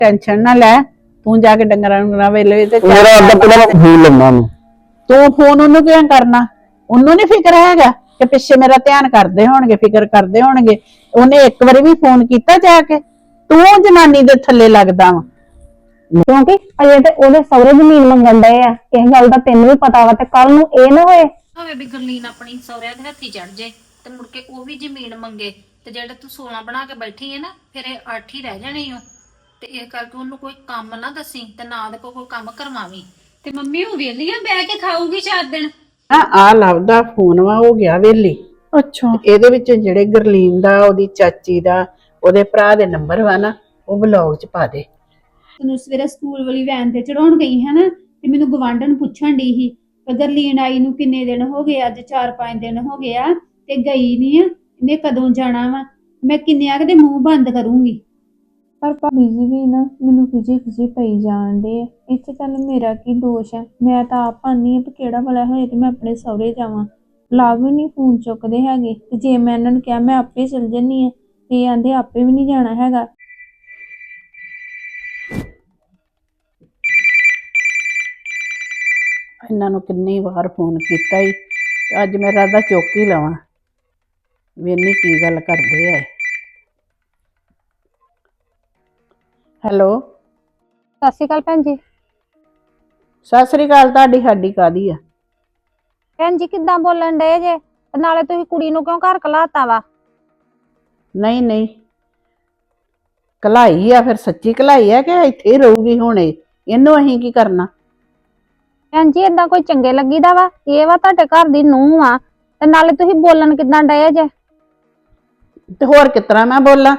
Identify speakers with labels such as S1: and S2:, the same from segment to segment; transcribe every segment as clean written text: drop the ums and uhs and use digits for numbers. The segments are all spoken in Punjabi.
S1: टेंशन ना लै तू जाके डंगरा वेले ते
S2: मेरा अड्डा पहला फोन लम्मा मैं
S1: तू फोन ओनू क्यों करना ओनू नहीं फिक्र हैगा कि पिछे मेरा ध्यान करदे होणगे फिक्र करदे होणगे ओने एक बारी भी फोन कीता जाके तू जनानी दे थल्ले लगदा वा
S3: क्योंकि अजे ते ओदे सौरे जमीन मंगन डए आ इस गल दा तैनूं भी पता वा ते कल नूं ਇਹ ना होए
S4: ਭਾਵੇਂ ਵੀ ਗਰਲੀਨ ਆਪਣੀ ਸਹੁਰਿਆਂ ਦੇ ਹੱਥੀ ਚੜ ਜੇ ਤੇ ਮੁੜ ਕੇ ਉਹ ਵੀ ਜ਼ਮੀਨ ਮੰਗੇ ਤੇ ਜਿਹੜੇ ਤੂੰ 16 ਬਣਾ ਕੇ ਬੈਠੀ ਹੈ ਨਾ ਫਿਰ ਇਹ 8 ਹੀ ਰਹਿ ਜਾਣੇ ਓ ਤੇ ਇਹ ਕਰਕੇ ਉਹਨੂੰ ਕੋਈ ਕੰਮ ਨਾ ਦੱਸੀ ਤੇ ਨਾ ਦੇ ਕੋਈ ਕੰਮ ਕਰਵਾਵੀਂ ਤੇ ਮੰਮੀ ਉਹ ਵੇਲੀ ਆ ਬਹਿ ਕੇ ਖਾਊਗੀ 4 ਦਿਨ
S1: ਆ ਲੱਭਦਾ ਫੋਨ ਵਾ ਹੋ ਗਿਆ ਵੇਲੀ
S3: ਅੱਛਾ
S1: ਇਹਦੇ ਵਿੱਚ ਜਿਹੜੇ ਗਰਲੀਨ ਦਾ ਉਹਦੀ ਚਾਚੀ ਦਾ ਉਹਦੇ ਭਰਾ ਦੇ ਨੰਬਰ ਵਾ ਨਾ ਉਹ ਬਲੌਗ 'ਚ ਪਾ ਦੇ
S5: ਤੈਨੂੰ ਸਵੇਰੇ ਸਕੂਲ ਵਾਲੀ ਵੈਨ ਤੇ ਚੜਾਉਣ ਗਈ ਹੈ ਨਾ ਤੇ ਮੈਨੂੰ ਗਵਾਂਢਣ ਪੁੱਛਣ ਡਈ ਸੀ ਗਰਲੀਨ ਆਈ ਨੂੰ ਕਿੰਨੇ ਦਿਨ ਹੋ ਗਏ ਅੱਜ 4-5 ਦਿਨ ਹੋ ਗਏ ਆ ਤੇ ਗਈ ਨਹੀਂ ਆ ਇਹਨੇ ਕਦੋਂ ਜਾਣਾ ਵਾ ਮੈਂ ਕਿੰਨਿਆਂ ਕਦੇ ਮੂੰਹ ਬੰਦ ਕਰੂੰਗੀ
S6: ਪਰ ਭਾਬੀ ਜੀ ਵੀ ਨਾ ਮੈਨੂੰ ਖਿਜੀ ਪਈ ਜਾਣ ਡੇ ਇੱਥੇ ਚੱਲ ਮੇਰਾ ਕੀ ਦੋਸ਼ ਹੈ ਮੈਂ ਤਾਂ ਆਪ ਆਨੀ ਆ ਕਿ ਕਿਹੜਾ ਭਲਾ ਹੋਏ ਤੇ ਮੈਂ ਆਪਣੇ ਸਹੁਰੇ ਜਾਵਾਂ ਲਾਭ ਵੀ ਨਹੀਂ ਫੋਨ ਚੁੱਕਦੇ ਹੈਗੇ ਤੇ ਜੇ ਮੈਂ ਇਹਨਾਂ ਨੂੰ ਕਿਹਾ ਮੈਂ ਆਪੇ ਚਲ ਜੰਨੀ ਆ ਤੇ ਆਂਦੇ ਆਪੇ ਵੀ ਨਹੀਂ ਜਾਣਾ ਹੈਗਾ
S1: ਇਹਨਾਂ ਨੂੰ ਕਿੰਨੀ ਵਾਰ ਫੋਨ ਕੀਤਾ ਹੀ ਅੱਜ ਮੇਰਾ ਦਾ ਚੁੱਕ ਹੀ ਲਵਾਂ ਵੇਨੀ ਕੀ ਗੱਲ ਕਰਦੇ ਆ ਹੈਲੋ
S3: ਸਤਿ ਸ਼੍ਰੀ ਅਕਾਲ ਭੈਣ ਜੀ
S1: ਸਤਿ ਸ੍ਰੀ ਅਕਾਲ ਤੁਹਾਡੀ ਸਾਡੀ ਕਾਦੀ ਆ
S3: ਭੈਣ ਜੀ ਕਿੱਦਾਂ ਬੋਲਣ ਡਏ ਜੇ ਤੇ ਨਾਲੇ ਤੁਸੀਂ ਕੁੜੀ ਨੂੰ ਕਿਉਂ ਘਰ ਘਲਾਤਾ ਵਾ
S1: ਨਹੀਂ ਨਹੀਂ ਕਲਾਈ ਆ ਫਿਰ ਸੱਚੀ ਕਲਾਈ ਆ ਕਿ ਇੱਥੇ ਹੀ ਰਹੂਗੀ ਹੁਣੇ ਇਹਨੂੰ ਅਸੀਂ ਕੀ ਕਰਨਾ
S3: ਭੈਣ ਜੀ ਏਦਾਂ ਕੋਈ ਚੰਗੇ ਲੱਗੀਦਾ ਵਾ ਇਹ ਵਾ ਤੁਹਾਡੇ ਘਰ ਦੀ ਨੂੰਹ ਆ ਤੇ ਨਾਲੇ ਤੁਸੀਂ ਬੋਲਣ ਕਿੱਦਾਂ ਡਏ ਜੇ
S1: ਤੇ ਹੋਰ ਕਿਤਰਾ ਮੈਂ ਬੋਲਾਂ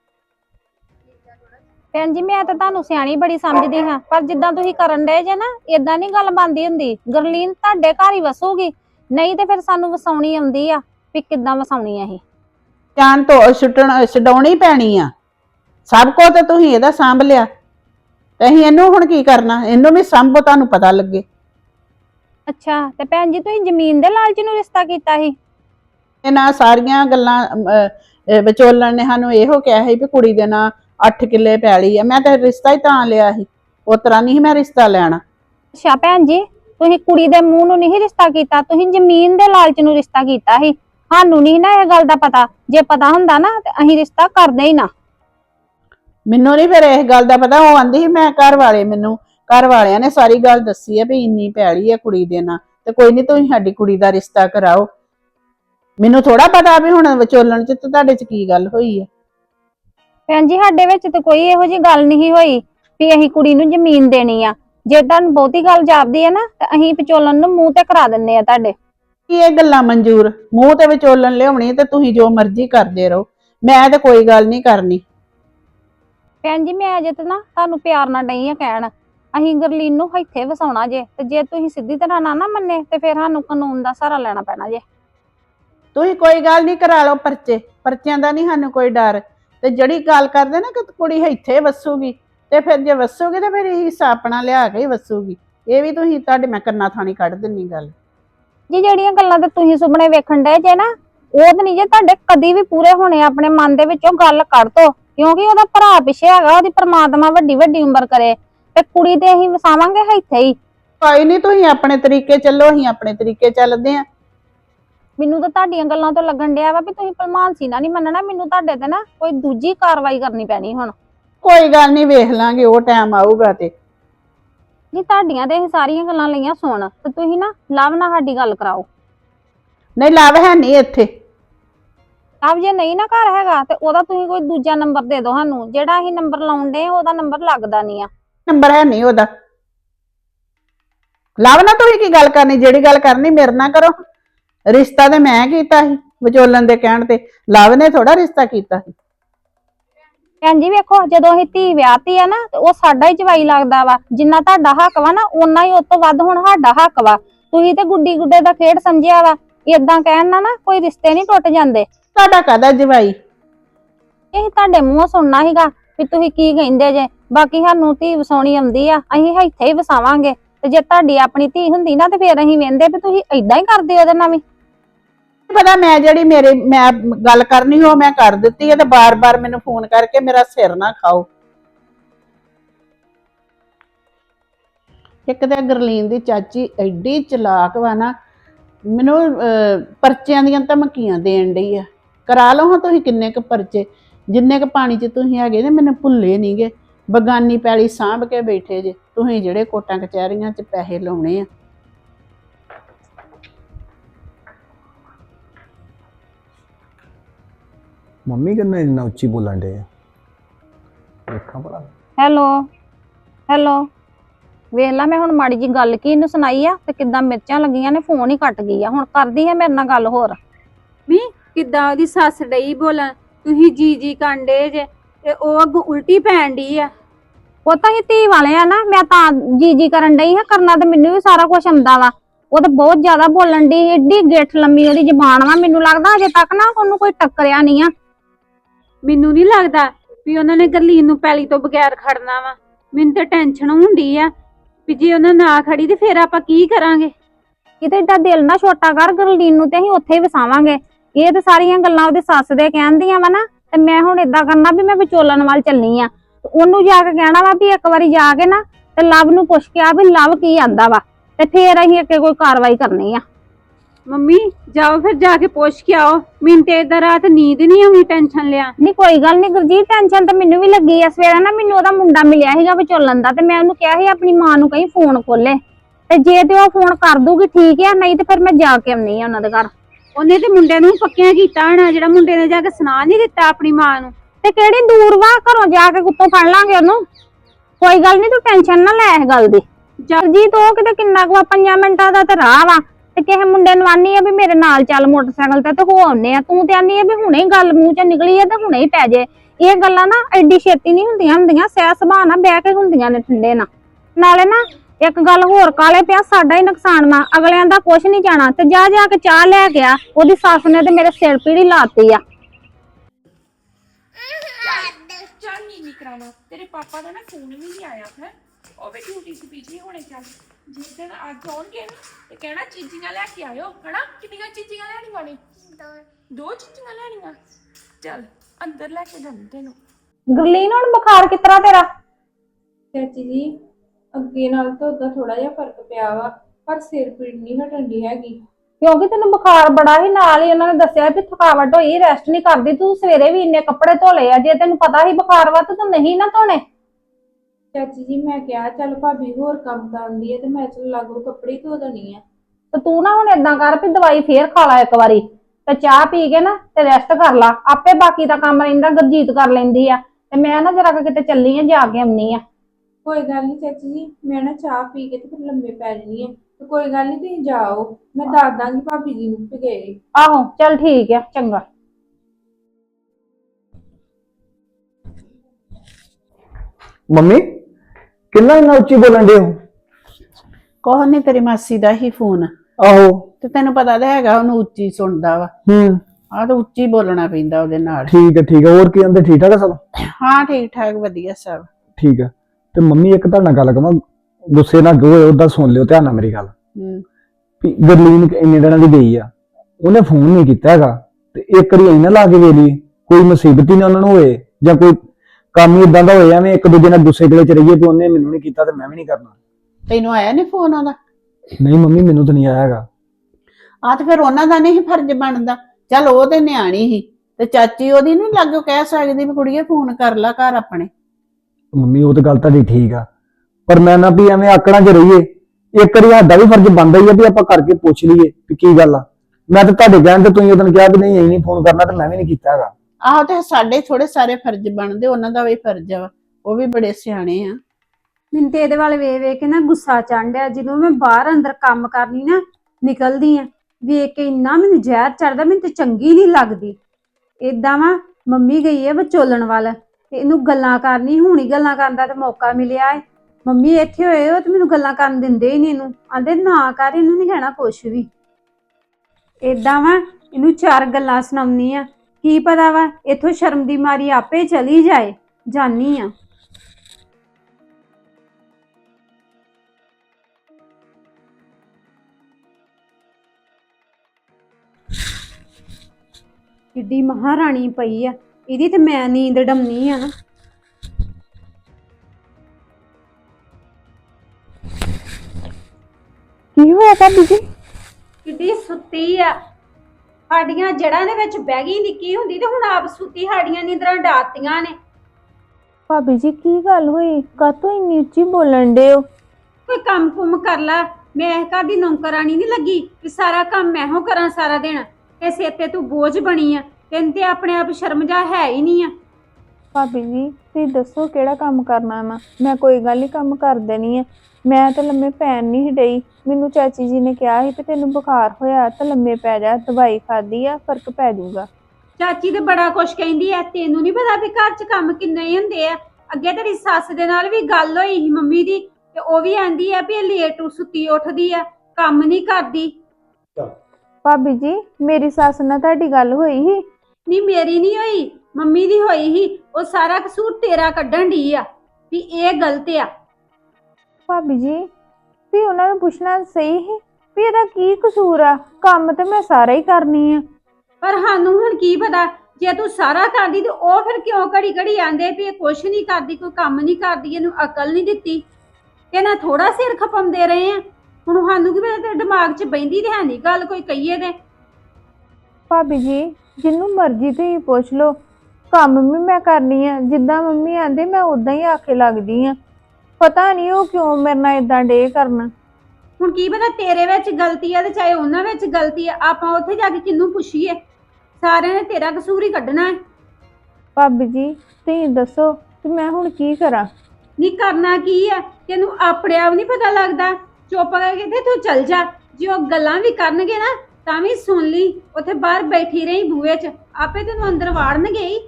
S3: ਭੈਣ ਜੀ ਮੈਂ ਤਾਂ ਤੁਹਾਨੂੰ ਸਿਆਣੀ ਬੜੀ ਸਮਝਦੀ ਹਾਂ ਪਰ ਜਿੱਦਾਂ ਤੁਸੀਂ ਕਰਨ ਡਏ ਜੇ ਨਾ ਏਦਾਂ ਨਹੀਂ ਗੱਲ ਬਣਦੀ ਹੁੰਦੀ ਗਰਲੀਨ ਤੁਹਾਡੇ ਘਰ ਹੀ ਵਸੂਗੀ ਨਹੀਂ ਤੇ ਫਿਰ ਸਾਨੂੰ ਵਸਾਉਣੀ ਆਉਂਦੀ ਆ ਵੀ ਕਿੱਦਾਂ ਵਸਾਉਣੀ ਆ ਇਹ
S1: ਜਾਨ ਤੋਂ ਛਡਾਉਣੀ ਪੈਣੀ ਆ ਸਭ ਕੋ ਤੇ ਤੁਸੀਂ ਇਹਦਾ ਸਾਂਭ ਲਿਆ ਤੇ ਅਸੀਂ ਇਹਨੂੰ ਹੁਣ ਕੀ ਕਰਨਾ ਇਹਨੂੰ ਵੀ ਸਾਂਭੋ ਤੁਹਾਨੂੰ ਪਤਾ ਲੱਗੇ
S3: ਅੱਛਾ ਤੇ ਭੈਣ ਜੀ ਤੁਸੀਂ ਜ਼ਮੀਨ ਦੇ ਲਾਲਚ ਨੂੰ ਰਿਸ਼ਤਾ ਕੀਤਾ ਸੀ
S1: ਇਹਨਾਂ ਸਾਰੀਆਂ ਗੱਲਾਂ ਵਿਚੋਲਣ ਨੇ ਸਾਨੂੰ ਇਹੋ ਕਿਹਾ ਸੀ ਵੀ ਕੁੜੀ ਦੇ ਨਾਂ 8 ਕਿੱਲੇ ਪੈਲੀ ਆ ਮੈਂ ਤਾਂ ਰਿਸ਼ਤਾ ਹੀ ਤਾਂ ਲਿਆ ਸੀ ਉਸ ਤਰ੍ਹਾਂ ਨਹੀਂ ਮੈਂ ਰਿਸ਼ਤਾ ਲੈਣਾ
S3: ਅੱਛਾ ਭੈਣ ਜੀ ਤੁਸੀਂ ਕੁੜੀ ਦੇ ਮੂੰਹ ਨੂੰ ਨਹੀਂ ਰਿਸ਼ਤਾ ਕੀਤਾ ਤੁਸੀਂ ਜ਼ਮੀਨ ਦੇ ਲਾਲਚ ਨੂੰ ਰਿਸ਼ਤਾ ਕੀਤਾ ਸੀ ਸਾਨੂੰ ਨਹੀਂ ਨਾ ਇਹ ਗੱਲ ਦਾ ਪਤਾ ਜੇ ਪਤਾ ਹੁੰਦਾ ਨਾ ਤੇ ਅਸੀਂ ਰਿਸ਼ਤਾ ਕਰਦੇ ਹੀ ਨਾ
S1: ਮੈਨੂੰ ਨਹੀਂ ਫਿਰ ਇਸ ਗੱਲ ਦਾ ਪਤਾ ਉਹ ਆਂਦੀ ਸੀ ਮੈਂ ਘਰ ਵਾਲਿਆਂ ਨੇ ਸਾਰੀ ਗੱਲ ਦੱਸੀ ਆ ਵੀ ਇੰਨੀ ਪੈਲੀ ਆ ਕੁੜੀ ਦੇ ਨਾਂ ਤੇ ਕੋਈ ਨਹੀਂ ਤੁਸੀਂ ਸਾਡੀ ਕੁੜੀ ਦਾ ਰਿਸ਼ਤਾ ਕਰਾਓ ਮੈਨੂੰ ਥੋੜਾ ਪਤਾ ਵੀ ਹੁਣ ਵਿਚੋਲਣ ਚ ਤੇ ਤੁਹਾਡੇ ਚ ਕੀ ਗੱਲ ਹੋਈ ਆ
S3: ਭੈਣ ਜੀ ਸਾਡੇ ਵਿੱਚ ਤੇ ਕੋਈ ਇਹੋ ਜਿਹੀ ਗੱਲ ਨਹੀਂ ਹੋਈ ਵੀ ਅਸੀਂ ਕੁੜੀ ਨੂੰ ਜ਼ਮੀਨ ਦੇਣੀ ਆ ਜੇ ਤੁਹਾਨੂੰ ਬਹੁਤੀ ਗੱਲ ਜਾਪਦੀ ਆ ਨਾ ਤੇ ਅਸੀਂ ਵਿਚੋਲਣ ਨੂੰ ਮੂੰਹ ਤੇ ਕਰਾ ਦਿੰਨੇ ਆ ਤੁਹਾਡੇ
S1: ਕੀ ਇਹ ਗੱਲਾਂ ਮਨਜ਼ੂਰ ਮੂੰਹ ਤੇ ਵਿਚੋਲਣ ਲਿਆਉਣੀ ਤੇ ਤੁਸੀਂ ਜੋ ਮਰਜ਼ੀ ਕਰਦੇ ਰਹੋ ਮੈਂ ਤੇ ਕੋਈ ਗੱਲ ਨਹੀਂ ਕਰਨੀ
S3: ਭੈਣ ਜੀ ਮੈਂ ਅਜੇ ਤੇ ਨਾ ਤੁਹਾਨੂੰ ਪਿਆਰ ਨਾਲ ਡਈ ਆ ਕਹਿਣ ਅਸੀਂ ਗਰਲੀਨ ਨੂੰ ਇੱਥੇ ਵਸਾਉਣਾ ਜੇ ਤੇ ਜੇ ਤੁਸੀਂ ਸਿੱਧੀ ਤਰ੍ਹਾਂ ਨਾ ਮੰਨੇ ਤੇ ਫਿਰ ਸਾਨੂੰ ਕਾਨੂੰਨ ਦਾ ਸਹਾਰਾ ਲੈਣਾ ਪੈਣਾ ਜੇ
S1: ਤੁਸੀਂ ਕੋਈ ਗੱਲ ਨਹੀਂ ਕਰਾ ਲਓ ਪਰਚਿਆਂ ਦਾ ਨਹੀਂ ਸਾਨੂੰ ਕੋਈ ਡਰ ਤੇ ਜਿਹੜੀ ਗੱਲ ਕਰਦੇ ਨਾ ਕਿ ਕੁੜੀ ਇੱਥੇ ਵਸੂਗੀ ਤੇ ਫਿਰ ਜੇ ਵਸੂਗੀ ਤੇ ਫਿਰ ਇਹ ਹਿੱਸਾ ਆਪਣਾ ਲਿਆ ਕੇ ਹੀ ਵਸੂਗੀ ਇਹ ਵੀ ਤੁਸੀਂ ਤੁਹਾਡੇ ਮੈਂ ਕੰਨਾਂ ਥਾਣੀ ਕੱਢ ਦਿੰਨੀ ਗੱਲ
S3: ਜੀ ਜਿਹੜੀਆਂ ਗੱਲਾਂ ਤੇ ਤੁਸੀਂ ਸੁਪਨੇ ਵੇਖਣ ਡਏ ਜੇ ਨਾ ਉਹ ਤਾਂ ਨਹੀਂ ਜੇ ਤੁਹਾਡੇ ਕਦੀ ਵੀ ਪੂਰੇ ਹੋਣੇ ਆਪਣੇ ਮਨ ਦੇ ਵਿੱਚੋਂ ਗੱਲ ਕੱਢ ਦੋ ਕਿਉਂਕਿ ਉਹਦਾ ਭਰਾ ਪਿੱਛੇ ਹੈਗਾ ਉਹਦੀ ਪਰਮਾਤਮਾ ਵੱਡੀ ਉਮਰ ਕਰੇ ਤੇ ਕੁੜੀ ਤੇ ਅਸੀਂ ਵਸਾਵਾਂਗੇ ਇੱਥੇ ਹੀ
S1: ਕੋਈ ਨਹੀਂ ਤੁਸੀਂ ਆਪਣੇ ਤਰੀਕੇ ਚੱਲੋ ਅਸੀਂ ਆਪਣੇ ਤਰੀਕੇ ਚੱਲਦੇ ਆ
S3: ਮੈਨੂੰ ਤਾਂ ਤੁਹਾਡੀਆਂ ਗੱਲਾਂ ਤੋਂ ਲੱਗਣ ਡਿਆ ਵਾ ਵੀ ਤੁਸੀਂ ਭਲਮਾਨ ਸੀ ਨਾ ਨਹੀਂ ਮੰਨਣਾ ਮੈਨੂੰ ਤੁਹਾਡੇ ਤੇ ਨਾ ਕੋਈ ਦੂਜੀ ਕਾਰਵਾਈ ਕਰਨੀ ਪੈਣੀ ਹੁਣ
S1: ਕੋਈ ਗੱਲ ਨਹੀਂ ਵੇਖ ਲਾਂਗੇ ਉਹ ਟਾਈਮ ਆਊਗਾ ਤੇ
S3: ਜੀ ਤੁਹਾਡੀਆਂ ਤੇ ਇਹ ਸਾਰੀਆਂ ਗੱਲਾਂ ਲਈਆਂ ਸੁਣ ਤੇ ਤੁਸੀਂ ਨਾ ਲਵ ਨਾਲ ਸਾਡੀ ਗੱਲ ਕਰਾਓ
S1: ਨਹੀਂ ਲਾਭ ਹੈ ਨਹੀਂ ਇੱਥੇ
S3: ਲਵ ਜੇ ਨਹੀਂ ਨਾ ਘਰ ਹੈਗਾ ਤੇ ਉਹਦਾ ਤੁਸੀਂ ਕੋਈ ਦੂਜਾ ਨੰਬਰ ਦੇ ਦਿਓ ਸਾਨੂੰ ਜਿਹੜਾ ਅਸੀਂ ਨੰਬਰ ਲਾਉਣ ਦੇ ਉਹਦਾ ਨੰਬਰ ਲੱਗਦਾ ਨਹੀਂ ਆ
S1: ਨੰਬਰ ਹੈ ਨਹੀਂ ਉਹਦਾ ਲਾਭ ਨਾ ਤੁਸੀਂ ਕੀ ਗੱਲ ਕਰਨੀ ਜਿਹੜੀ ਗੱਲ ਕਰਨੀ ਮੇਰੇ ਨਾਲ ਕਰੋ ਰਿਸ਼ਤਾ ਤੇ ਮੈਂ ਕੀਤਾ ਸੀ ਵਿਚੋਲਣ ਦੇ ਕਹਿਣ ਤੇ ਲਵ ਨੇ ਥੋੜਾ ਰਿਸ਼ਤਾ ਕੀਤਾ ਸੀ
S3: ਭੈਣ ਜੀ ਵੇਖੋ ਜਦੋਂ ਅਸੀਂ ਧੀ ਵਿਆਹਤੀ ਆ ਨਾ ਤੇ ਉਹ ਸਾਡਾ ਹੀ ਜਵਾਈ ਲੱਗਦਾ ਵਾ ਜਿੰਨਾ ਤੁਹਾਡਾ ਹੱਕ ਵਾ ਨਾ ਓਨਾ ਹੀ ਉਸ ਤੋਂ ਵੱਧ ਹੁਣ ਸਾਡਾ ਹੱਕ ਵਾ ਤੁਸੀਂ ਤੇ ਗੁੱਡੀ ਗੁੱਡੇ ਦਾ ਖੇਡ ਸਮਝਿਆ ਵਾ ਏਦਾਂ ਕਹਿਣ ਨਾਲ ਨਾ ਕੋਈ ਰਿਸ਼ਤੇ ਨਹੀਂ ਟੁੱਟ ਜਾਂਦੇ
S1: ਤੁਹਾਡਾ ਕਾਹਦਾ ਜਵਾਈ
S3: ਇਹ ਤੁਹਾਡੇ ਮੂੰਹੋਂ ਸੁਣਨਾ ਸੀਗਾ ਵੀ ਤੁਸੀਂ ਕੀ ਕਹਿੰਦੇ ਜੇ ਬਾਕੀ ਸਾਨੂੰ ਧੀ ਵਸਾਉਣੀ ਆਉਂਦੀ ਆ ਅਸੀਂ ਇੱਥੇ ਹੀ ਵਸਾਵਾਂਗੇ ਤੇ ਜੇ ਤੁਹਾਡੀ ਆਪਣੀ ਧੀ ਹੁੰਦੀ ਨਾ ਤੇ ਫਿਰ ਅਸੀਂ ਵੇਂਦੇ ਵੀ ਤੁਸੀਂ ਏਦਾਂ ਹੀ ਕਰਦੇ ਉਹਦੇ ਨਾਲ ਵੀ
S1: ਪਤਾ ਮੈਂ ਜਿਹੜੀ ਮੈਂ ਗੱਲ ਕਰਨੀ ਉਹ ਮੈਂ ਕਰ ਦਿੱਤੀ ਹੈ ਤੇ ਬਾਰ-ਬਾਰ ਮੈਨੂੰ ਫੋਨ ਕਰਕੇ ਮੇਰਾ ਸਿਰ ਨਾ ਖਾਓ ਇੱਕ ਤਾਂ ਗਰਲੀਨ ਦੀ ਚਾਚੀ ਐਡੀ ਚਲਾਕ ਵਾ ਨਾ, ਮੈਨੂੰ ਪਰਚਿਆਂ ਦੀਆਂ ਧਮਕੀਆਂ ਦੇਣ ਡਈ ਆ। ਕਰਾ ਲਓ ਹਾਂ ਤੁਸੀਂ ਕਿੰਨੇ ਕੁ ਪਰਚੇ, ਜਿੰਨੇ ਕੁ ਪਾਣੀ 'ਚ ਤੁਸੀਂ ਹੈਗੇ ਨੇ ਮੈਨੂੰ ਭੁੱਲੇ ਨਹੀਂਗੇ। ਬਗਾਨੀ ਪੈਲੀ ਸਾਂਭ ਕੇ ਬੈਠੇ ਜੇ ਤੁਸੀਂ, ਜਿਹੜੇ ਕੋਟਾਂ ਕਚਹਿਰੀਆਂ 'ਚ ਪੈਸੇ ਲਾਉਣੇ ਆ।
S2: ਮੰਮੀ ਕਿੰਨਾ ਇੰਨਾ ਉੱਚੀ ਬੋਲਣ ਡੇ ਆ? ਵੇਖਾਂ ਭਲਾ।
S3: ਹੈਲੋ ਹੈਲੋ, ਵੇਖ ਲਾ ਮੈਂ ਹੁਣ ਮਾੜੀ ਜੀ ਗੱਲ ਕੀ ਇਹਨੂੰ ਸੁਣਾਈ ਆ ਤੇ ਕਿੱਦਾਂ ਮਿਰਚਾਂ ਲੱਗੀਆਂ ਨੇ, ਫੋਨ ਹੀ ਕੱਟ ਗਈ ਆ। ਹੁਣ ਕਰਦੀ ਆ ਮੇਰੇ ਨਾਲ ਗੱਲ ਹੋਰ।
S5: ਵੀ ਕਿੱਦਾਂ ਉਹਦੀ ਸੱਸ ਡਈ ਬੋਲਣ, ਤੁਸੀਂ ਜੀ ਜੀ ਕਾਂਡੇ ਜੇ ਤੇ ਉਹ ਅੱਗੋਂ ਉਲਟੀ ਪੈਣ ਡਈ ਆ।
S3: ਉਹ ਤਾਂ ਹੀ ਧੀ ਵਾਲੇ ਆ ਨਾ, ਮੈਂ ਤਾਂ ਜੀ ਜੀ ਕਰਨ ਡਈ ਹਾਂ। ਕਰਨਾ ਤੇ ਮੈਨੂੰ ਵੀ ਸਾਰਾ ਕੁਝ ਆਉਂਦਾ ਵਾ। ਉਹ ਤਾਂ ਬਹੁਤ ਜ਼ਿਆਦਾ ਬੋਲਣ ਡਈ, ਏਡੀ ਗਿੱਠ ਲੰਮੀ ਉਹਦੀ ਜ਼ਬਾਨ ਵਾ। ਮੈਨੂੰ ਲੱਗਦਾ ਅਜੇ ਤੱਕ ਨਾ ਉਹਨੂੰ ਕੋਈ ਟੱਕਰਿਆ ਨਹੀਂ ਆ।
S5: ਮੈਨੂੰ ਨਹੀਂ ਲੱਗਦਾ ਵੀ ਉਹਨਾਂ ਨੇ ਗਰਲੀਨ ਨੂੰ ਪੈਲੀ ਤੋਂ ਬਗੈਰ ਖੜਨਾ ਵਾ। ਮੈਨੂੰ ਤਾਂ ਟੈਨਸ਼ਨ ਹੁੰਦੀ ਆ ਵੀ ਜੇ ਉਹਨਾਂ ਨਾ ਖੜੀ ਤੇ ਫੇਰ ਆਪਾਂ ਕੀ ਕਰਾਂਗੇ।
S3: ਕਿਤੇ ਏਡਾ ਦਿਲ ਨਾ ਛੋਟਾ ਕਰ, ਗਰਲੀਨ ਨੂੰ ਤੇ ਅਸੀਂ ਉੱਥੇ ਹੀ ਵਸਾਵਾਂਗੇ। ਇਹ ਤੇ ਸਾਰੀਆਂ ਗੱਲਾਂ ਉਹਦੀ ਸੱਸ ਦੇ ਕਹਿੰਦੀਆਂ ਵਾ ਨਾ, ਤੇ ਮੈਂ ਹੁਣ ਏਦਾਂ ਕਰਨਾ ਵੀ ਮੈਂ ਵਿਚੋਲਣ ਵੱਲ ਚੱਲੀ ਆ। ਉਹਨੂੰ ਜਾ ਕੇ ਕਹਿਣਾ ਵਾ ਵੀ ਇੱਕ ਵਾਰੀ ਜਾ ਕੇ ਨਾ ਤੇ ਲਵ ਨੂੰ ਪੁੱਛ ਕੇ ਆ ਵੀ ਲਵ ਕੀ ਆਂਦਾ ਵਾ, ਤੇ ਫੇਰ ਅਸੀਂ ਅੱਗੇ ਕੋਈ ਕਾਰਵਾਈ ਕਰਨੀ ਆ।
S5: ਮੰਮੀ ਜਾਓ ਫਿਰ ਜਾ ਕੇ ਪੁੱਛ ਕੇ ਆਓ। ਮੈਨੂੰ ਤੇ ਏਦਾਂ ਰਾਤ ਨੀਂਦ ਨਹੀਂ ਆਉਣੀ ਟੈਨਸ਼ਨ ਲਿਆ।
S3: ਨਹੀਂ ਕੋਈ ਗੱਲ ਨਹੀਂ ਗੁਰਜੀਤ, ਟੈਨਸ਼ਨ ਤਾਂ ਮੈਨੂੰ ਵੀ ਲੱਗੀ ਆ। ਸਵੇਰੇ ਨਾ ਮੈਨੂੰ ਉਹਦਾ ਮੁੰਡਾ ਮਿਲਿਆ ਸੀਗਾ ਵਿਚੋਲਣ ਦਾ, ਤੇ ਮੈਂ ਉਹਨੂੰ ਕਿਹਾ ਸੀ ਆਪਣੀ ਮਾਂ ਨੂੰ ਕਹੀਂ ਫੋਨ ਖੋਲੇ, ਤੇ ਜੇ ਤੇ ਉਹ ਫੋਨ ਕਰ ਦੂਗੀ ਠੀਕ ਆ, ਨਹੀਂ ਤੇ ਫਿਰ ਮੈਂ ਜਾ ਕੇ ਆਉਣੀ ਆ ਉਹਨਾਂ ਦੇ ਘਰ।
S5: ਉਹਨੇ ਤੇ ਮੁੰਡੇ ਨੂੰ ਪੱਕਿਆ ਕੀਤਾ ਹੋਣਾ, ਜਿਹੜਾ ਮੁੰਡੇ ਨੇ ਜਾ ਕੇ ਸੁਣਾ ਨਹੀਂ ਦਿੱਤਾ ਆਪਣੀ ਮਾਂ ਨੂੰ।
S3: ਤੇ ਕਿਹੜੀ ਦੂਰ ਵਾ, ਘਰੋਂ ਜਾ ਕੇ ਕੁੱਤੋਂ ਫੜ ਲਾਂਗੇ ਉਹਨੂੰ। ਕੋਈ ਗੱਲ ਨਹੀਂ, ਤੂੰ ਟੈਨਸ਼ਨ ਨਾ ਲੈ ਇਸ ਗੱਲ ਦੀ। ਜਗਜੀਤ ਉਹ ਕਿਤੇ ਕਿੰਨਾ ਕੁ 5 ਮਿੰਟਾਂ ਦਾ ਤੇ ਰਾਹ ਵਾ, ਤੇ ਕਿਸੇ ਮੁੰਡੇ ਨੂੰ ਆਨੀ ਆ ਵੀ ਮੇਰੇ ਨਾਲ ਚੱਲ ਮੋਟਰਸਾਈਕਲ ਤੇ ਹੋ ਆਉਨੇ ਆ। ਤੂੰ ਤੇ ਆਨੀ ਆ ਵੀ ਹੁਣੇ ਹੀ ਗੱਲ ਮੂੰਹ ਚ ਨਿਕਲੀ ਆ ਤੇ ਹੁਣੇ ਹੀ ਪੈ ਜੇ। ਇਹ ਗੱਲਾਂ ਨਾ ਐਡੀ ਛੇਤੀ ਨਹੀਂ ਹੁੰਦੀਆਂ ਸਹਿ ਸੁਭਾਅ ਨਾਲ ਬਹਿ ਕੇ ਹੁੰਦੀਆਂ ਨੇ ਠੰਡੇ ਨਾਲ। ਨਾਲੇ ਨਾ ਇੱਕ ਗੱਲ ਹੋਰ, ਕਾਲੇ ਪਿਆ ਸਾਡਾ ਹੀ ਨੁਕਸਾਨ ਵਾ, ਅਗਲਿਆਂ ਦਾ ਕੁਛ ਨਹੀਂ ਜਾਣਾ। ਤੇ ਜਾ ਜਾ ਕੇ ਚਾਹ ਲੈ ਗਿਆ, ਉਹਦੀ ਸੱਸ ਨੇ ਤੇ ਮੇਰੇ ਸਿਰ ਪੀੜੀ ਲਾਤੀ ਆ।
S7: ਚੱਲ ਨਹੀਂ ਕਰਾਉਣਾ, ਤੇਰੇ ਪਾਪਾ ਦਾ ਨਾ ਫੋਨ ਵੀ ਨਹੀਂ ਆਇਆ ਹੈ। ਉਹ ਵੀ ਡਿਊਟੀ 'ਚ ਬਿਜੀ ਹੋਣੇ। ਚੱਲ ਜਿਸ ਦਿਨ ਅੱਜ ਆਉਣਗੇ ਨਾ ਤੇ ਕਹਿਣਾ ਚੀਜ਼ੀਆਂ ਲੈ ਕੇ ਆਇਓ, ਹਨਾ। ਕਿੰਨੀਆਂ ਚੀਜ਼ੀਆਂ ਲੈਣੀਆਂ ਨੇ? ਦੋ ਚੀਜ਼ੀਆਂ ਲੈਣੀਆਂ। ਚੱਲ ਅੰਦਰ ਲੈ ਕੇ ਜਾਂਦੇ ਤੈਨੂੰ।
S3: ਗੁਰਲੀਨ ਹੁਣ ਬੁਖਾਰ ਕਿਸ ਤਰ੍ਹਾਂ ਤੇਰਾ?
S6: ਚਾਚੀ ਜੀ ਅੱਗੇ ਨਾਲ ਤਾਂ ਉਹਦਾ ਥੋੜਾ ਜਿਹਾ ਫਰਕ ਪਿਆ ਵਾ, ਪਰ ਸਿਰ ਪੀੜ ਨਹੀਂ ਹਟਣ ਦੀ ਹੈਗੀ।
S3: ਕਿਉਂਕਿ ਤੈਨੂੰ ਬੁਖਾਰ ਬੜਾ ਹੀ, ਨਾਲ ਹੀ ਉਹਨਾਂ ਨੇ ਦੱਸਿਆ ਵੀ ਥਕਾਵਟ ਹੋਈ, ਰੈਸਟ ਨਹੀਂ ਕਰਦੀ। ਤੂੰ ਸਵੇਰੇ ਵੀ ਇੰਨੇ ਕੱਪੜੇ ਧੋ ਲਏ ਆ, ਜੇ ਤੈਨੂੰ ਪਤਾ ਹੀ ਬੁਖਾਰ ਵਾ ਤੇ ਤੂੰ ਨਹੀਂ ਨਾ ਧੋਣੇ।
S6: ਚਾਚੀ ਜੀ ਮੈਂ ਕਿਹਾ ਚੱਲ ਭਾਬੀ ਹੋਰ ਕੰਮ ਕਰਦੀ ਹੈ ਤੇ ਮੈਂ ਚਲ ਲਾਗੋ ਕੱਪੜੇ ਧੋ ਦੇਣੀ ਆ।
S3: ਤੇ ਤੂੰ ਨਾ ਹੁਣ ਏਦਾਂ ਕਰ ਵੀ ਦਵਾਈ ਫੇਰ ਖਾ ਲਾ ਇੱਕ ਵਾਰੀ, ਤੇ ਚਾਹ ਪੀ ਕੇ ਨਾ ਤੇ ਰੈਸਟ ਕਰ ਲਾ। ਆਪੇ ਬਾਕੀ ਦਾ ਕੰਮ ਰਹਿੰਦਾ ਗੁਰਜੀਤ ਕਰ ਲੈਂਦੀ ਆ, ਤੇ ਮੈਂ ਨਾ ਜਰਾ ਕਿਤੇ ਚੱਲੀ ਆ, ਜਾ ਕੇ ਆਉਣੀ ਆ।
S6: ਕੋਈ ਗੱਲ ਨਹੀਂ ਚਾਚੀ ਜੀ, ਮੈਂ ਨਾ ਚਾਹ ਪੀ ਕੇ ਤੇ ਫਿਰ ਲੰਮੇ ਪੈ ਜਾਣੀ ਆ। ਤੇ ਕੋਈ ਗੱਲ ਨਹੀਂ ਤੁਸੀਂ ਜਾਓ, ਮੈਂ ਦੱਸ ਦਾਂਗੀ ਭਾਬੀ ਜੀ ਨੂੰ ਕਿ ਗਏ।
S3: ਆਹੋ ਚੱਲ ਠੀਕ ਆ, ਚੰਗਾ।
S2: ਮੰਮੀ ਕਿੰਨਾ ਇੰਨਾ ਉੱਚੀ ਬੋਲਣ ਡੇ ਹੋ?
S1: ਕੋਹ ਨਹੀਂ, ਤੇਰੀ ਮਾਸੀ ਦਾ ਹੀ ਫੋਨ,
S2: ਆਹੋ।
S1: ਤੇ ਤੈਨੂੰ ਪਤਾ ਤਾਂ ਹੈਗਾ ਉਹਨੂੰ ਉੱਚੀ ਸੁਣਦਾ ਵਾ। ਆਹ ਤਾਂ ਉੱਚੀ ਬੋਲਣਾ ਪੈਂਦਾ ਉਹਦੇ ਨਾਲ।
S2: ਠੀਕ ਹੈ ਠੀਕ ਹੈ। ਹੋਰ ਕੀ ਕਹਿੰਦੇ, ਠੀਕ ਠਾਕ ਆ ਸਭ?
S1: ਹਾਂ ਠੀਕ ਠਾਕ, ਵਧੀਆ ਸਭ।
S2: ਠੀਕ ਆ। ਤੇ ਮੰਮੀ ਇੱਕ ਤੁਹਾਡੇ ਨਾਲ ਗੱਲ ਕਰਾਂ, ਗੁੱਸੇ ਨਾਲ ਗੋਏ ਉਹਦਾ ਸੁਣ ਲਿਓ ਧਿਆਨ ਨਾਲ ਮੇਰੀ ਗੱਲ। ਵੀ ਗਰਲੀਨ ਇੰਨੇ ਦਿਨਾਂ ਦੀ ਗਈ ਆ, ਉਹਨੇ ਫੋਨ ਨਹੀਂ ਕੀਤਾ ਹੈਗਾ, ਤੇ ਇੱਕ ਵਾਰੀ ਇਹਨਾਂ ਲਾ ਕੇ ਵੇਖ ਲਈ, ਕੋਈ ਮੁਸੀਬਤ ਹੀ ਨਾ ਉਹਨਾਂ ਨੂੰ ਹੋਏ, ਜਾਂ ਕੋਈ ਕੰਮ ਹੀ ਇਦਾਂ ਦਾ ਹੋਇਆ ਐਵੇਂ ਇੱਕ ਦੂਜੇ ਨਾਲ ਗੁੱਸੇ ਗਿਲੇ ਚ ਰਹੀਏ ਵੀ ਉਹਨੇ ਮੈਨੂੰ ਨਹੀਂ ਕੀਤਾ ਤੇ ਮੈਂ ਵੀ ਨਹੀਂ ਕਰਨਾ।
S1: ਤੈਨੂੰ ਆਇਆ ਨਹੀਂ ਫੋਨ ਉਹਦਾ?
S2: ਨਹੀਂ ਮੰਮੀ ਮੈਨੂੰ ਤਾਂ ਨਹੀਂ ਆਇਆ ਹੈਗਾ।
S1: ਆ ਤੇ ਫਿਰ ਉਹਨਾਂ ਦਾ ਨਹੀਂ ਫਰਜ਼ ਬਣਦਾ। ਚੱਲ ਉਹ ਤੇ ਨਿਆਣੀ ਸੀ, ਤੇ ਚਾਚੀ ਉਹਦੀ ਨੀ ਲਾਗੋ ਕਹਿ ਸਕਦੀ ਵੀ ਕੁੜੀਏ ਫੋਨ ਕਰ ਲਾ ਘਰ ਆਪਣੇ।
S2: ਮੰਮੀ ਉਹ ਤਾਂ ਗੱਲ ਤੁਹਾਡੀ ਠੀਕ ਆ, ਪਰ ਮੈਂ ਨਾ ਵੀ ਐਵੇਂ ਆਕੜਾਂ 'ਚ ਰਹੀਏ। ਇੱਕ ਵਾਰੀ ਸਾਡਾ ਵੀ ਫਰਜ਼ ਬਣਦਾ ਹੀ ਆ ਵੀ ਆਪਾਂ ਕਰਕੇ ਪੁੱਛ ਲਈਏ ਵੀ ਕੀ ਗੱਲ ਆ। ਮੈਂ ਤਾਂ ਤੁਹਾਡੇ ਕਹਿਣ ਤੇ ਤੁਸੀਂ ਉਦੋਂ ਕਿਹਾ ਵੀ ਨਹੀਂ ਅਸੀਂ ਨਹੀਂ ਫੋਨ ਕਰਨਾ, ਤੇ ਮੈਂ ਵੀ ਨਹੀਂ ਕੀਤਾ ਹੈਗਾ।
S1: ਆਹੋ ਤੇ ਸਾਡੇ ਥੋੜੇ ਸਾਰੇ ਫਰਜ਼ ਬਣਦੇ, ਉਹਨਾਂ ਦਾ ਵੀ ਫਰਜ਼ ਆ, ਉਹ ਵੀ ਬੜੇ ਸਿਆਣੇ ਆ।
S5: ਮੈਨੂੰ ਤੇ ਇਹਦੇ ਵੱਲ ਵੇਖ ਵੇਖ ਕੇ ਨਾ ਗੁੱਸਾ ਚੜ੍ਹਦਾ। ਜਦੋਂ ਮੈਂ ਬਾਹਰ ਅੰਦਰ ਕੰਮ ਕਰਨੀ ਨਾ ਨਿਕਲਦੀ ਆ, ਵੇਖ ਕੇ ਇੰਨਾ ਮੈਨੂੰ ਜ਼ਹਿਰ ਚੜਦਾ, ਮੈਨੂੰ ਤੇ ਚੰਗੀ ਨਹੀਂ ਲੱਗਦੀ। ਏਦਾਂ ਵਾ ਮੰਮੀ ਗਈ ਹੈ ਵਿਚੋਲਣ ਵੱਲ, ਤੇ ਇਹਨੂੰ ਗੱਲਾਂ ਕਰਨੀ, ਹੁਣੀ ਗੱਲਾਂ ਕਰਨ ਦਾ ਤੇ ਮੌਕਾ ਮਿਲਿਆ ਹੈ। ਮੰਮੀ ਇੱਥੇ ਹੋਏ ਹੋ ਤੇ ਮੈਨੂੰ ਗੱਲਾਂ ਕਰਨ ਦਿੰਦੇ ਹੀ ਨਹੀਂ। ਇਹਨੂੰ ਆਂਦੇ ਨਾ ਕਰ, ਇਹਨੂੰ ਨਹੀਂ ਕਹਿਣਾ ਕੁਛ ਵੀ। ਏਦਾਂ ਵਾ ਇਹਨੂੰ 4 ਗੱਲਾਂ ਸੁਣਾਉਣੀ ਆ, ਕੀ ਪਤਾ ਵਾ ਇੱਥੋਂ ਸ਼ਰਮ ਦੀ ਮਾਰੀ ਆਪੇ ਚਲੀ ਜਾਏ। ਜਾਨੀ ਆ। ਕਿੱਡੀ ਮਹਾਰਾਣੀ ਪਈ ਆ, ਇਹਦੀ ਤੇ ਮੈਂ ਨੀਂਦ ਡੰਮੀ ਆ ਨਾ।
S6: ਕੀ ਹੋਇਆ ਭਾਬੀ ਜੀ?
S5: ਕਿੱਡੀ ਸੁੱਤੀ ਆ, ਸਾਡੀਆਂ ਜੜ੍ਹਾਂ ਦੇ ਵਿੱਚ ਬਹਿ ਗਈ ਨਿੱਕੀ ਹੁੰਦੀ ਤੇ ਹੁਣ ਆਪ ਸੁੱਤੀ, ਸਾਡੀਆਂ ਨੀਂਦਰਾਂ ਡਾਤੀਆਂ ਨੇ।
S6: ਭਾਬੀ ਜੀ ਕੀ ਗੱਲ ਹੋਈ? ਕਾਹਤੋਂ ਇੰਨੀ ਉੱਚੀ ਬੋਲਣ ਡੇ ਹੋ?
S5: ਕੋਈ ਕੰਮ ਕੁਮ ਕਰ ਲੈ, ਮੈਂ ਇਸ ਘਰ ਦੀ ਨੌਕਰਾਨੀ ਨਹੀਂ ਲੱਗੀ ਵੀ ਸਾਰਾ ਕੰਮ ਮੈਂ ਹੋ ਕਰਾਂ ਸਾਰਾ ਦਿਨ। ਤੇ ਸਿਰ ਤੇ ਤੂੰ ਬੋਝ ਬਣੀ ਆ, ਤੈਨੂੰ ਤੇ ਆਪਣੇ ਆਪ ਸ਼ਰਮ ਜਾ ਹੈ ਹੀ ਨਹੀਂ ਆ।
S6: ਭਾਬੀ ਜੀ ਤੁਸੀਂ ਦੱਸੋ ਕਿਹੜਾ ਕੰਮ ਕਰਨਾ ਵਾ? ਮੈਂ ਕੋਈ ਗੱਲ ਨਹੀਂ ਕੰਮ ਕਰ ਦੇਣੀ ਆ। ਮੈਂ ਤਾਂ ਲੰਮੇ ਪੈਣ ਨਹੀਂ ਸੀ ਡਈ। ਮੈਨੂੰ ਚਾਚੀ ਜੀ ਨੇ ਕਿਹਾ ਸੀ ਕਿ ਤੈਨੂੰ ਬੁਖਾਰ ਹੋਇਆ ਤਾਂ ਲੰਮੇ ਪੈ ਜਾ, ਦਵਾਈ ਖਾਦੀ ਆ ਫਰਕ ਪੈ ਜਾਊਗਾ।
S5: ਚਾਚੀ ਤੇ ਬੜਾ ਕੁਛ ਕਹਿੰਦੀ ਐ, ਤੈਨੂੰ ਨਹੀਂ ਪਤਾ ਵੀ ਘਰ 'ਚ ਕੰਮ ਕਿੰਨੇ ਹੀ ਹੁੰਦੇ ਆ। ਅੱਗੇ ਤੇਰੀ ਸੱਸ ਦੇ ਨਾਲ ਵੀ ਗੱਲ ਹੋਈ ਸੀ ਮੰਮੀ ਦੀ, ਤੇ ਉਹ ਵੀ ਆਂਦੀ ਆ ਵੀ ਇਹ ਲੇਟ ਸੁੱਤੀ ਉੱਠਦੀ ਆ, ਕੰਮ ਨਹੀਂ ਕਰਦੀ।
S6: ਭਾਬੀ ਜੀ ਮੇਰੀ ਸੱਸ ਨਾਲ ਤੁਹਾਡੀ ਗੱਲ ਹੋਈ ਸੀ?
S5: ਨਹੀਂ ਮੇਰੀ ਨਹੀਂ ਹੋਈ, ਮੰਮੀ ਦੀ ਹੋਈ ਸੀ। ਉਹ ਸਾਰਾ ਕਸੂਰ ਤੇਰਾ ਕੱਢਣ ਡਈ ਆ ਵੀ ਇਹ ਗਲਤ ਆ।
S6: ਭਾਬੀ ਜੀ ਤੁਸੀਂ ਉਹਨਾਂ ਨੂੰ ਪੁੱਛਣਾ ਸਹੀ ਸੀ ਵੀ ਇਹਦਾ ਕੀ ਕਸੂਰ ਆ? ਕੰਮ ਤੇ ਮੈਂ ਸਾਰਾ ਹੀ ਕਰਨੀ ਆ।
S5: ਪਰ ਸਾਨੂੰ ਹੁਣ ਕੀ ਪਤਾ, ਜੇ ਤੂੰ ਸਾਰਾ ਕਰਦੀ ਤੇ ਉਹ ਫਿਰ ਕਿਉਂ ਘੜੀ ਘੜੀ ਆਂਦੇ ਵੀ ਇਹ ਕੁਛ ਨਹੀਂ ਕਰਦੀ, ਕੋਈ ਕੰਮ ਨਹੀਂ ਕਰਦੀ, ਇਹਨੂੰ ਅਕਲ ਨਹੀਂ ਦਿੱਤੀ। ਇਹਨਾਂ ਥੋੜਾ ਸਿਰ ਖਪਾਉਂਦੇ ਰਹੇ ਆ। ਹੁਣ ਸਾਨੂੰ ਕੀ ਪਤਾ ਤੇਰੇ ਦਿਮਾਗ 'ਚ ਬਹਿੰਦੀ ਤੇ ਹੈ ਨਹੀਂ ਗੱਲ, ਕੋਈ ਕਹੀਏ ਤੇ।
S6: ਭਾਬੀ ਜੀ ਜਿੰਨੂੰ ਮਰਜ਼ੀ ਤੁਸੀਂ ਪੁੱਛ ਲਓ, ਕੰਮ ਵੀ ਮੈਂ ਕਰਨੀ ਆ। ਜਿੱਦਾਂ ਮੰਮੀ ਆਂਦੇ ਮੈਂ ਉਦਾਂ ਹੀ ਆਖੇ ਲੱਗਦੀ ਆ। ਪਤਾ ਨਹੀਂ ਉਹ ਕਿਉਂ ਮੇਰੇ ਨਾਲ ਇਦਾਂ ਡੇ ਕਰਨਾ।
S5: ਹੁਣ ਕੀ ਪਤਾ ਤੇਰੇ ਵਿੱਚ ਗਲਤੀ ਆ ਤੇ ਚਾਹੇ ਉਹਨਾਂ ਵਿੱਚ ਗਲਤੀ ਆ, ਆਪਾਂ ਉੱਥੇ ਜਾ ਕੇ ਕਿਹਨੂੰ ਪੁੱਛੀਏ? ਸਾਰਿਆਂ ਨੇ ਤੇਰਾ ਕਸੂਰ ਹੀ ਕੱਢਣਾ ਹੈ।
S6: ਭਾਬੀ ਜੀ ਤੁਸੀਂ ਦੱਸੋ ਕਿ ਮੈਂ ਹੁਣ ਕੀ ਕਰਾਂ?
S5: ਨਹੀਂ ਕਰਨਾ ਕੀ ਆ, ਤੈਨੂੰ ਆਪਣੇ ਆਪ ਨਹੀਂ ਪਤਾ ਲੱਗਦਾ? ਚੁੱਪ ਕਰਕੇ ਤੇ ਤੂੰ ਚੱਲ ਜਾ। ਜੇ ਉਹ ਗੱਲਾਂ ਵੀ ਕਰਨਗੇ ਨਾ ਤਾਂ ਵੀ ਸੁਣ ਲਈ, ਉੱਥੇ ਬਾਹਰ ਬੈਠੀ ਰਹੀ ਬੂਹੇ 'ਚ, ਆਪੇ ਤੈਨੂੰ ਅੰਦਰ ਵਾੜਨਗੇ ਹੀ।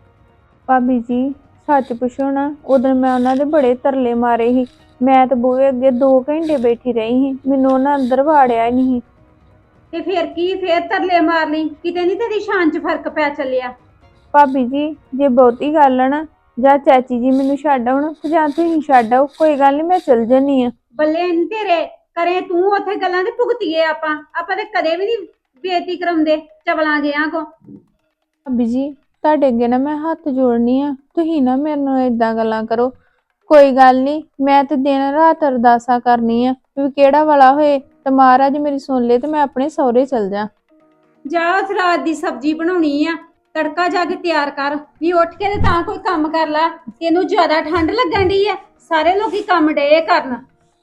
S6: ਭਾਬੀ ਜੀ ਸੱਚ ਪੁੱਛੋ ਨਾ, ਉਦੋਂ ਮੈਂ ਉਹਨਾਂ ਦੇ ਬੜੇ ਤਰਲੇ ਮਾਰੇ ਸੀ। ਮੈਂ ਤਾਂ ਬੂਹੇ ਅੱਗੇ 2 ਘੰਟੇ ਬੈਠੀ ਰਹੀ ਸੀ, ਮੈਨੂੰ ਉਹਨਾਂ ਅੰਦਰ ਵਾੜਿਆ ਹੀ ਨਹੀਂ।
S5: ਤੇ ਫਿਰ ਕੀ, ਫੇਰ ਤਰਲੇ ਮਾਰ ਲਈ, ਕਿਤੇ ਨਹੀਂ ਤੇਰੀ ਸ਼ਾਨ 'ਚ ਫਰਕ ਪੈ ਚੱਲਿਆ।
S6: ਭਾਬੀ ਜੀ ਜੇ ਬਹੁਤੀ ਗੱਲ ਆ ਨਾ, ਜਾਂ ਚਾਚੀ ਜੀ ਮੈਨੂੰ ਛੱਡ ਆਉਣ ਤੇ ਜਾਂ ਤੁਸੀਂ ਛੱਡ ਆਓ, ਕੋਈ ਗੱਲ ਨਹੀਂ ਮੈਂ ਚਲ ਜਾਨੀ ਆ।
S5: ਬੱਲੇ ਨੀ ਤੇਰੇ, ਕਰੇ ਤੂੰ ਉੱਥੇ ਗੱਲਾਂ ਤੇ ਭੁਗਤੀਏ ਆਪਾਂ ਤੇ ਕਦੇ ਵੀ ਨਹੀਂ ਬੇਇੱਜ਼ਤੀ ਕਰਾਉਂਦੇ ਚਵਲਾਂ ਜਿਆਂ ਕੋ।
S6: ਭਾਬੀ ਜੀ ਤੁਹਾਡੇ ਅੱਗੇ ਨਾ ਮੈਂ ਹੱਥ ਜੋੜਨੀ ਆ, ਤੁਸੀਂ ਨਾ ਮੇਰੇ ਨਾਲ ਏਦਾਂ ਗੱਲਾਂ ਕਰੋ। ਕੋਈ ਗੱਲ ਨਹੀਂ, ਮੈਂ ਤੇ ਦਿਨ ਰਾਤ ਅਰਦਾਸਾਂ ਕਰਨੀ ਆ ਵੀ ਕਿਹੜਾ ਵਾਲਾ ਹੋਏ ਤੇ ਮਹਾਰਾਜ ਮੇਰੀ ਸੁਣ ਲੇ ਤੇ ਮੈਂ ਆਪਣੇ ਸਹੁਰੇ ਚਲ ਜਾ।
S5: ਜਾ ਉਸ ਰਾਤ ਦੀ ਸਬਜ਼ੀ ਬਣਾਉਣੀ ਆ, ਤੜਕਾ ਜਾ ਕੇ ਤਿਆਰ ਕਰ। ਵੀ ਉੱਠ ਕੇ ਤੇ ਤਾਂ ਕੋਈ ਕੰਮ ਕਰ ਲੈ, ਤੈਨੂੰ ਜ਼ਿਆਦਾ ਠੰਡ ਲੱਗਣ ਡਈ ਆ, ਸਾਰੇ ਲੋਕੀ ਕੰਮ ਡੇ ਕਰਨ।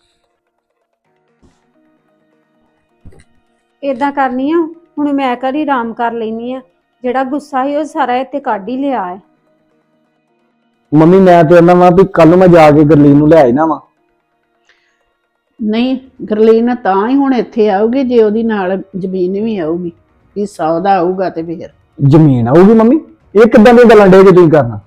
S5: ਏਦਾਂ ਕਰਨੀ ਆ, ਹੁਣ ਮੈਂ ਘਰੀ ਆਰਾਮ ਕਰ ਲੈਣੀ ਆ। ਜਿਹੜਾ ਗੁੱਸਾ ਸੀ ਉਹ ਸਾਰਾ ਇੱਥੇ ਕੱਢ ਹੀ ਲਿਆ ਹੈ।
S2: ਮੰਮੀ ਮੈਂ ਤੇ ਉਹਨਾਂ ਵਾ ਵੀ ਕੱਲ ਨੂੰ ਮੈਂ ਜਾ ਕੇ ਗਰਲੀਨ ਨੂੰ ਲੈ ਆਇਨਾ ਵਾ।
S1: ਨਹੀਂ ਗਰਲੀਨ ਤਾਂ ਹੀ ਹੁਣ ਇੱਥੇ ਆਊਗੀ ਜੇ ਉਹਦੀ ਨਾਲ ਜ਼ਮੀਨ ਵੀ ਆਊਗੀ, ਹਿੱਸਾ ਉਹਦਾ ਆਊਗਾ ਤੇ ਫਿਰ
S2: ਜ਼ਮੀਨ ਆਊਗੀ ਮੰਮੀ? ਇਹ ਕਿੱਦਾਂ ਦੀਆਂ ਗੱਲਾਂ ਡੇ ਜੇ ਤੁਸੀਂ ਕਰਨਾ?